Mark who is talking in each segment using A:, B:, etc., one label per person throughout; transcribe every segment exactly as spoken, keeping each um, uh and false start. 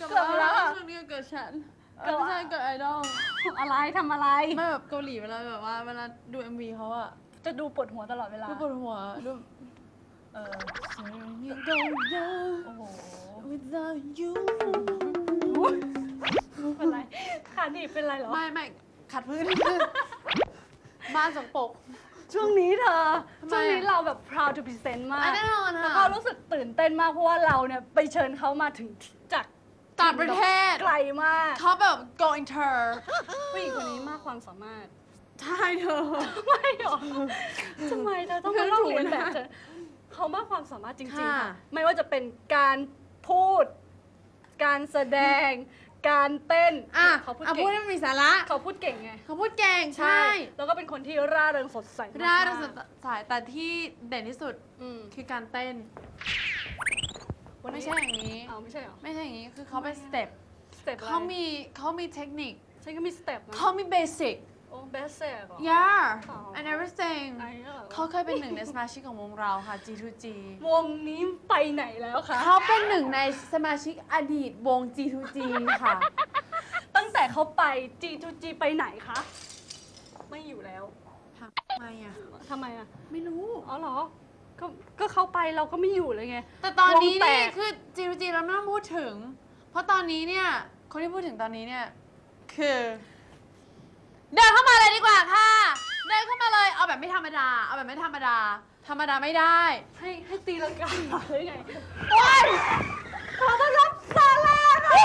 A: กับเราช่วงนี้เกิดฉันไม่ใช่เกิดไอดอล
B: อะไรทำอะไร
A: ไม่แบบเกาหลีเวลาแบบว่าเวลาดู เอ็ม วี เขาอะ
B: จะดูปวดหัวตลอดเวลา
A: ดูปวดหัวดูเออโอ้โห without you
B: เป็นไรขาหนีบเป็นไรเหรอ
A: ไม่ไม่ขัดพื้นบ้านสกปรก
B: ช่วงนี้เธอช่วงนี้เราแบบ proud to present มาก
A: แน่นอนค่ะ
B: แล้วก็รู้สึกตื่นเต้นมากเพราะว่าเราเนี่ยไปเชิญเขามาถึงจาก
A: ต่างประเทศ
B: ไกลมาก
A: เขาแบบ go inter
B: ผู้หญิงคนนี้มากความสามารถ
A: ใช่เธอ
B: ไม่หรอทำไมเธอต้องมาลอกเลียนแบบเธอเขามากความสามารถจริงๆค่ะไม่ว่าจะเป็นการพูดการแสดงการเต้น
A: อ่ะ
B: เขาพูด
A: เก่งพูดให้มีสาระ
B: เขาพูดเก่งไง
A: เขาพูดเก่งใช่
B: แล้วก็เป็นคนที่ร่าเริงสดใส
A: ร่าเริงสดใสแต่ที่เด่นที่สุดคือการเต้นไม่ใช่อย่างนี้
B: เอาไม่ใช่หรอ
A: ไม่ใช่อย่างนี้คือเขาเป็นสเต็ป
B: สเต็ป
A: เขามีเขามีเทคนิค
B: ฉันก็มีสเต็ปนะ
A: เขามีเบสิก
B: โอ้เบสิกเหรอ
A: yeah and everything เขาเคยเป็นหนึ่งในสมาชิกของวงเราค่ะ จี ทู จี
B: วงนี้ไปไหนแล้วคะ
A: เขาเป็นหนึ่งในสมาชิกอดีตวง จี ทู จี ค่ะ
B: ตั้งแต่เขาไป จี ทู จี ไปไหนคะไม่อยู่แล้ว
A: ทำไมอ่ะ
B: ทำไมอ่ะ
A: ไม่รู้
B: อ๋อเหรอก็ก็เขาไปเราก็ไม่อยู่เลยไง
A: แต่ตอนนี้นี่คือ จี ทู จี เราไม่ต้องพูดถึงเพราะตอนนี้เนี่ยคนที่พูดถึงตอนนี้เนี่ยคือเดินเข้ามาเลยดีกว่าค่ะเดินเข้ามาเลยเอาแบบไม่ธรรมดาเอาแบบไม่ธรรมดาธรรมดาไม่ได้
B: ให้ให้ตีลังกาหรือไงโอ๊ยขอต้อนรับซาร่าค่ะ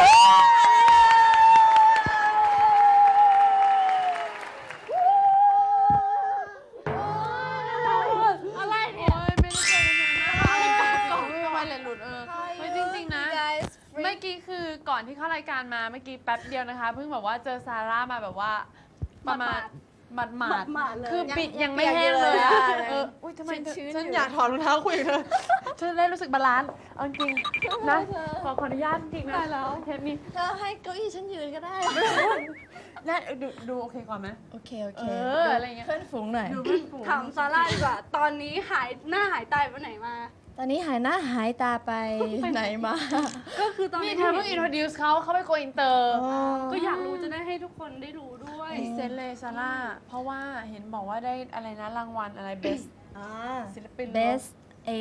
B: อะไรเนี่ย
A: ไม่ได้เจอกันนานกล่องไม่ไวเลยหลุดเออไม่จริงๆนะเมื่อกี้คือก่อนที่เข้ารายการมาเมื่อกี้แป๊บเดียวนะคะเพิ่งแบบว่าเจอซาร่ามาแบบว่าประมาณหมาดหมาดคือปิดยังไม่แห้งเลยอ่ะเอออุ้ยทำไมฉันอยากถอดรองเท้าคุยเธอฉันได้รู้สึกบาลานซ์เอาจริงนะขอขออนุญาตจริงนะเทปนี้
C: เธอให้เก้าอี้ฉันยืนก็ได้
A: ได้ดูดูโอเคก่อนไหม
C: โอเคโอเค
A: อะไรเงี้ย
C: เพื่อนฝูงหน่อย
B: ถามซาร่าดีกว่าตอนนี้หายหน้าหายตาไปไหนมา
C: ตอนนี้หายหน้าหายตาไปไหนมา
B: ก็คือตอน
A: นี้เธอเพิ่ง introduce เขาเขาไปโกอินเตอร์
B: ก็อยากรู้จะได้ให้ทุกคนได้รู้ด้วย
A: เซนเลยซาร่าเพราะว่าเห็นบอกว่าได้อะไรนะรางวัลอะไร best ศิลปิน
C: best a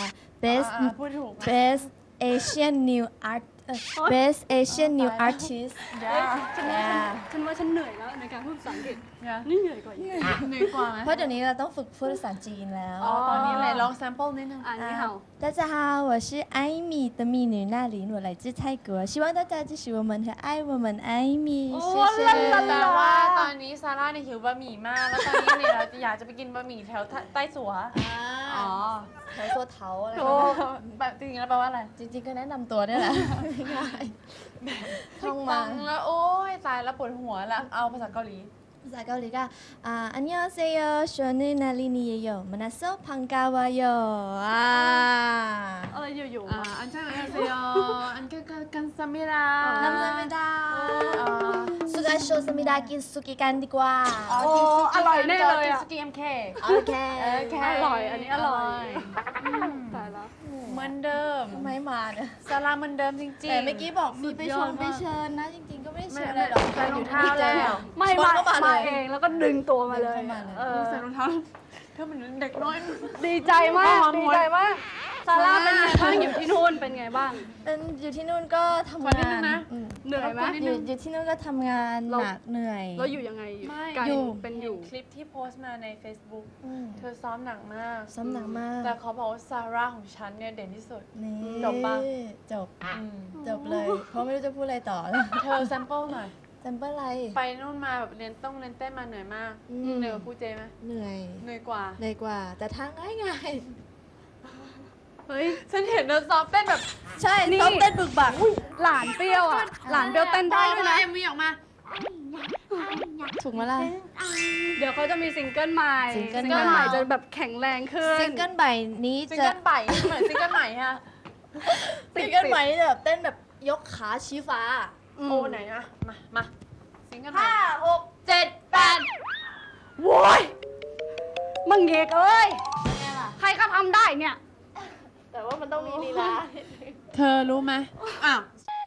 C: best
A: พูดถูก
C: best Asian new art best Asian new artist
B: ฉันว่าฉันว่าฉันเหนื่อยแล้วในการพูดภาษาอังกฤษนี่เหนื่อยกว่าอีก
A: เหนื่อยกว่าไหม
C: เพราะเดี๋ยวนี้เราต้องฝึกพูดภาษาจีนแล้ว
A: ตอนนี้เลยลอง sample นิดนึง
B: อ่านนี่เหรอ
C: 大家好我是艾米的蜜女娜琳我来自泰国希望大家支持我们和爱我们艾米谢谢
A: แต่ว่าตอนนี้ซาร่าเนี่ยหิวบะหมี่มากแล้วตอนนี้เนี่ยเราอยากจะไปกินบะหมี่แถวใต้สัว
C: อ๋อแถวสัวเถาอะไร
A: แบบจริงๆแล้วแปลว่าอะไร
C: จริงๆก็แนะนำตัวนี่แหละง่าย
A: ท่องมาแล้วโอ้ยตายแล้วปวดหัวแล้วเอาภาษาเกาหลี
C: ภาษาเกาหลีก็อ่าอันยองเซโยชวนนึนาลินีเยโยมานาโซพังกาวาโยอ่า
B: อะไรอยู่
A: ๆอ่าอันเช่นอันเซโยอันก็กันซามิรา
C: น้ำไม่ได้สุกาโชสมิดากินสุกิกันดีกว่า
B: โอ้อร่อยแน่เลยอ่ะ
A: สุกิเอ็มเค
C: โอเค
B: อร่อยอันนี้อร่อยตายแล้ว
A: เหมือนเดิม
C: ทำไมมาเนี่ย
A: ซาร่าเหมือนเดิมจริงๆ
C: แต่เมื่อกี้บอกมีไปชมไปเชิญนะจริงๆก็ไม่ได้เชิญอะไรหรอก
A: ใส่รองเท้าแล้ว
B: ไม่มามาเองแล้วก็ดึงตัวมาเลย
A: ใส่รองเท้าเธอเหมือนเด็กน้อย
B: ดีใจมากดีใจมากซาร่าเป็นไงบ้างอยู่ที่นู่นเป็นไงบ้าง
C: เป็นอยู่ที่นู่นก็ทำงาน
B: เหนื่อยไหม
C: อยู่อยู่ที่นู่นก็ทำงานหนักเหนื่อย
B: เราอยู่ยังไงอยู่เป็นอยู่
A: คลิปที่โพสต์มาใน Facebook เธอซ้อมหนักมาก
C: ซ้อมหนักมาก
A: แต่เขาบอกว่าซาร่าของฉันเนี่ยเด่นที่สุดจบปะ
C: จบจบเลยเพราะไม่รู้จะพูดอะไรต่อ
A: เธอแซมเปิลหน่อย
C: แซมเปิลอะไร
A: ไปนู่นมาแบบเรียนต้องเรียนเต้นมาเหนื่อยมากเหนื่อยกว่าครูเจไหม
C: เหนื่อย
A: เหนื่อยกว่า
C: เหนื่อยกว่าแต่ทางง่ายง่าย
A: เฮ้ยฉันเห็นเธอซ้อมเต้นแบบ
C: ใช่ซ้อมเต้นบึกบัก
B: หลานเปรี้ยวอ่ะหลานเปรี้ยวเต้นได้ด้วยนะ
A: เอ็มวีออกมา
C: ถูกไหมล่ะ
B: เดี๋ยวเขาจะมีซิงเกิลใหม่ซิงเกิลใหม่จะแบบแข็งแรงขึ้น
C: ซิงเกิลใหม่นี้
A: จะซิงเกิลใหม่เหมือนซิงเกิลใหม่ฮะ
C: ซิงเกิลใหม่จะแบบเต้นแบบยกขาชี้ฟ้า
A: โอ้ไหนนะมามาซิงเกิลใหม่
C: ห้าหก
A: เจ็ดแปด
B: โว้ยมังเอกเอ้ยใครก็ทำได้เนี่ย
C: แต่ว่ามันต้องมีลีลา
A: เธอรู้ไหมอ้าว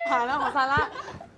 A: ผ่านแล้วของซาร่า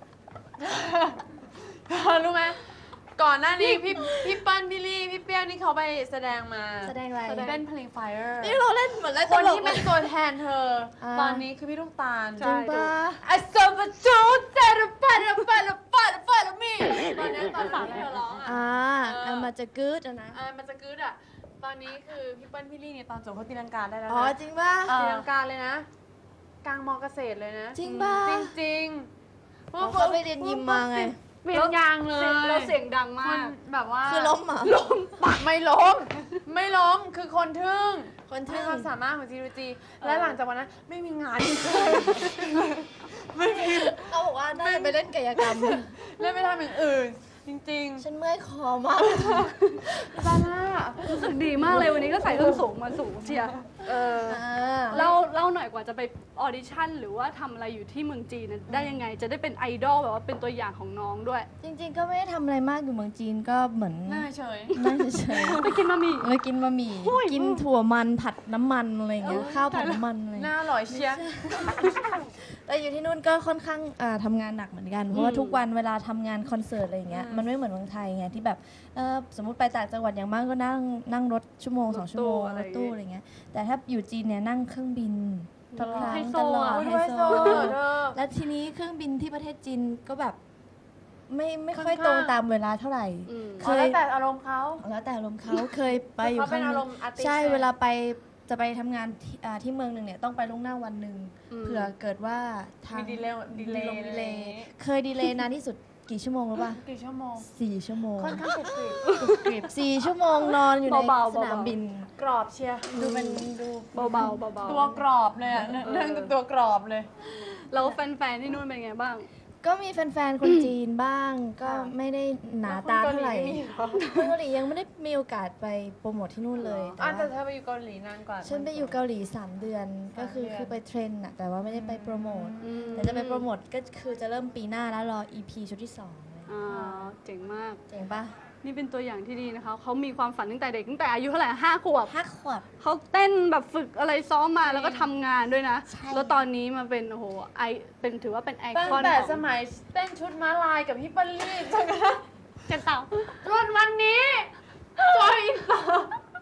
A: รู้ไหมก่อนหน้านี้พี่พี่เปิ้ลพี่ลี่พี่เปี้ยวนี่เขาไปแสดงมา
C: แสดงอะไร
A: เล่นเพลง Fire
C: นี่เราเล่นเหมือนเล่น
A: ค
C: ต
A: น
C: ลก
A: ที่
C: เล
A: เป็
C: ย
A: นตัวแทนเธอ
C: อ่า
A: ตอนนี้คือพี่ลูกตาล
B: ใช่
C: จริงปะ
A: I saw the truth that the better better better better me ตอนนี้ตอนหลังที่เธอร้องอ่ะ
C: อ่า
A: เออ
C: เอามาจะกึดอะนะ
A: อ่ามันจะกึดอ่ะตอนนี้คือพี่เปิ้ลพี่ลี่เนี่ยตอนจบเขาตีลังกาได้แล้ว
C: อ๋อ
A: นะ
C: จริงป่ะ
A: ตีลังกาเลยนะ กลางมอเกษตรเลยนะ
C: จริงป่ะ
A: จริงจริง
C: อ๋อเขาไปเรียนยิมมาไง
A: เปลี่ยนยางเลย
B: เราเสียงดัง
A: ค
B: มาน ก
A: แบบว่า
C: คือล้มเหรอ
A: ล้มปักไม่ล้ม ไม่ล้มคือคนทึ่ง
C: คนทึ่
A: ทึ่
C: ง
A: ความสามารถของจีรูจี และหลังจากวันนั้นไม่มีงานอีกเลยไม่มี
C: เขาบอกว่าน่าจะไปเล่นกายกรรม
A: เล่นไม่ทำอย่างอื่น จริง
C: ฉันเมื่อยคอมาก
A: ๆซาร่า
B: รู้สึกดีมากเลยวันนี้ก็ใส่ส้นสูงมาสูงเชียร์เออ
C: อ่า
B: เล่าเล่าหน่อยกว่าจะไปออดิชั่นหรือว่าทำอะไรอยู่ที่เมืองจีนน่ะได้ยังไงจะได้เป็นไอดอลแบบว่าเป็นตัวอย่างของน้องด้วย
C: จริงๆ ก็ไม่ได้ทำอะไรมากอยู่เมืองจีนก็เหมือน
A: หน้าเฉย
C: นั่งเฉย
B: ไปกินบะหมี่
C: ๆเลยกินบะหมี่ กินถั่วมันผัดน้ำมันอะไรอย่างเงี้ย ข้าวผัดน้ำมันอะไรอย่าง
A: ห
C: เงี้ย
A: น้าอร่อยเชียร์
C: แต่อยู่ที่นู่นก็ค่อนข้างอ่าทำงานหนักเหมือนกัน เพราะว่าทุกวันเวลาทำงานคอนเสิร์ตอะไรอย่างเงี้ย มันไม่เหมือนเมืองไทยไงที่แบบเอ่อสมมติไปต่างจังหวัดอย่างมากก็นั่งนั่งรถชั่วโมงสองชั่วโมงรถตู้อะไรเงี้ย แต่ถ้าอยู่จีนเนี่ยนั่งเครื่องบินทุกครั้ง
B: ไฮโซ
C: ตลอด
B: อ่ะ
C: ไฮ
A: ด้วย
C: โซ
A: โซ่เธอ
C: และทีนี้เครื่องบินที่ประเทศจีนก็แบบ ไม่ไม่ค่อย
A: ค่อนข้าง
C: ตรงตามเวลาเท่าไหร่
B: อืม
C: เค
A: อ๋อย แล้วแต่อารมณ์เขา
C: แล้วแต่อารมณ์เขาเคยไปอยู่
A: เขาเป็น
C: ครั้งห
A: อาร
C: นึ่ง
A: มณ์อาร์ติสต์
C: ใช่
A: ไง
C: เวลาไปจะไปทำงานที่อ่าที่เมืองหนึ่งเนี่ยต้องไปล่วงหน้าวันหนึ่ง
B: อืม
C: เผื่อเกิดว่าทาง
A: มีดีเลย์ดีเลย์
C: ดีเลย์เคยดีเลย์นานที่สุดกี่ชั่วโมงรู้ป่ะ
A: กี่ชั่วโมง
C: สี่ชั่วโมง
A: ค่อนข้างกรุบกริบ
C: กริบสี่ชั่วโมงนอนอยู่ใน
B: เบาๆ
C: สนามบิน
A: กรอบเชียร์
C: ดูเป็นดู
B: เบาๆเบาๆ
A: ตัวกรอบเลยอะเรื่องตัวกรอบเลย
B: แล้วแฟนๆที่นู่นเป็นไงบ้าง
C: ก็มีแฟนๆ คนจีนบ้าง ก็ไม่ได้หนาตาเท่าไหร่คนเกาหลียังไม่ได้มีโอกาสไปโปรโมทที่นู่นเลย
A: อ่ะ
C: แต่
A: แต่
C: ว่า
A: เธอไปอยู่เกาหลีนานกว่า
C: ฉันไปอยู่เกาหลีสามเดือน ก็คือ
A: สามเดือน
C: คือไปเทรนน่ะแต่ว่าไม่ได้ไปโปรโมท
B: อืม
C: แต่จะไปโปรโมทก็คือจะเริ่มปีหน้าแล้วรอ อี พี ชุดที่สองเลย
B: อ่าเจ๋งมาก
C: เจ๋งปะ
B: นี่เป็นตัวอย่างที่ดีนะคะเขามีความฝันตั้งแต่เด็กตั้งแต่อายุเท่าไหร่ห้าขวบ
C: ห้าขวบ
B: เขาเต้นแบบฝึกอะไรซ้อมมาแล้วก็ทำงานด้วยนะ
C: ใช่
B: แล้วตอนนี้มาเป็นโอ้โหไอเป็นถือว่าเป็นไอ
A: ตั้ง
B: คอน
A: แต่
B: ของ
A: สมัยเต้นชุดม้าลายกับพี่เปิ้ลลี่จนกระทั่ง
B: เจ็ดเต่า
A: จนวันนี้จอยอินเตอร์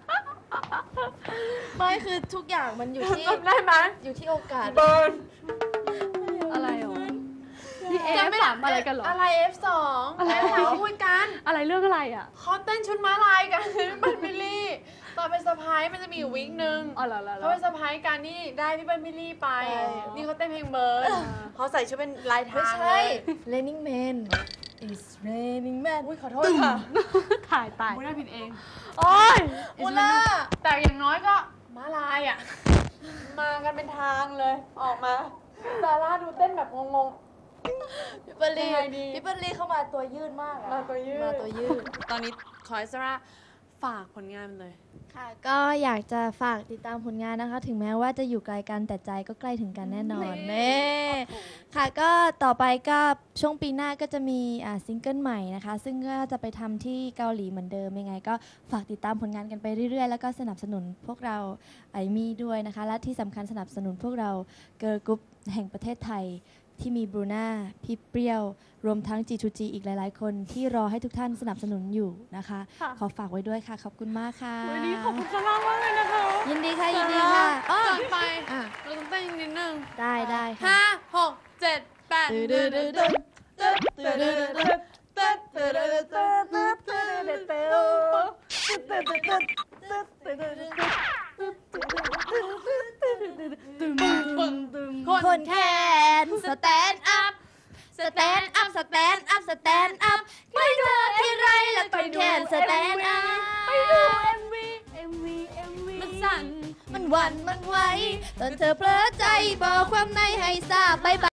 C: ไม่คือทุกอย่างมันอยู่ที่
A: จำได้ไหม
C: อยู่ที่โอกาส
A: เบิร์น
B: อะไรหรอนี่เอฟ
A: จำไม่
B: สามอะไรกันเหรอ
A: อะไร เอฟ สอง เอฟ สามพูดกัน
B: อะไรเรื่องอะไรอ่ะ
A: เขาเต้นชุดม้าลายกันพี่เปิ้ลพี่ลี่ตอนเป็นสะพ้ายมันจะมีอยู่วีคนึง
B: อ๋อเหรอเหรอเหร
A: เขา
B: อ
A: เป็นสะพ้ายกันนี่ได้พี่เปิ้ลพี่ลี่ไป
C: อ๋อ
A: นี่เขาเต้นเพลงเบิร์นเขาใส่ชุดเป็นลาย
C: ไม่
A: ทาง
C: ใช่ Raining Man It's Raining Man
A: อุ้ยขอโทษค่ะ
B: ถ่ายตาย
A: มุน่าผิดเอง
B: โอ้ย
C: อุล่า
A: แต่อย่างน้อยก็ม้าลายอ่ะ มากันเป็นทางเลย ออกมาซาร่าดูเต้นแบบงง
C: พี่เปอร์ลี
A: ยังไงดี
C: พี่เปอร์ลีเข้ามาตัวยืดมากอะ
A: มาตัวยืด
C: มาตัวยืด
A: ๆ ตอนนี้ขอให้ซาร่าฝากผลงานเลย
C: ค่ะ ก็อยากจะฝากติดตามผลงานนะคะ ถึงแม้ว่าจะอยู่ไกลกันแต่ใจก็ใกล้ถึงกันแน่นอนเน่ค่ะ ก็ต่อไปก็ช่วงปีหน้าก็จะมีอ่าซิงเกิลใหม่นะคะ ซึ่งก็จะไปทำที่เกาหลีเหมือนเดิมยังไง ก็ฝากติดตามผลงานกันไปเรื่อยๆ แล้วก็สนับสนุนพวกเราไอมี่ด้วยนะคะ และที่สำคัญสนับสนุนพวกเราเกิร์ลกรุ๊ปแห่งประเทศไทย ที่มีบรูน่าพี่เปรี้ยว รวมทั้ง จี ทู จี อีกหลายๆ คนที่รอให้ทุกท่านสนับสนุนอยู่นะคะ
B: ค่ะ
C: ขอฝากไว้ด้วยค่ะ ขอบคุณมากค่ะ
B: วันนี้ขอบคุณซาร่ามากเลยนะคะ
C: ยินดีค่ะ ยินดีค่ะอ้อ
A: ก่อนไป
C: อ่ะ
A: เราต้องเต้นนิดนึง
C: ได้ได้ค่ะ
A: ห้าหกเจ็ดแปด
C: ตื้อดื้อดื้อดื้อตื้อตื้อดื้อดื้อตื้อตื้อดื้อดื้อตื้อตื้อดื้อดื้อ คนแคนสแตนอัพ สแตนอัพ สแตนอัพ สแตนอัพ ไม่เจอที่ไรแล้วคนแคนสแตนอัพ
B: ไปดู เอ็ม วี เอ็ม วี เอ็ม วี
A: มันสั่น
C: มันหวั่นมันไหวตอนเธอเพลอใจบอกความในให้ทราบบ๊ายบาย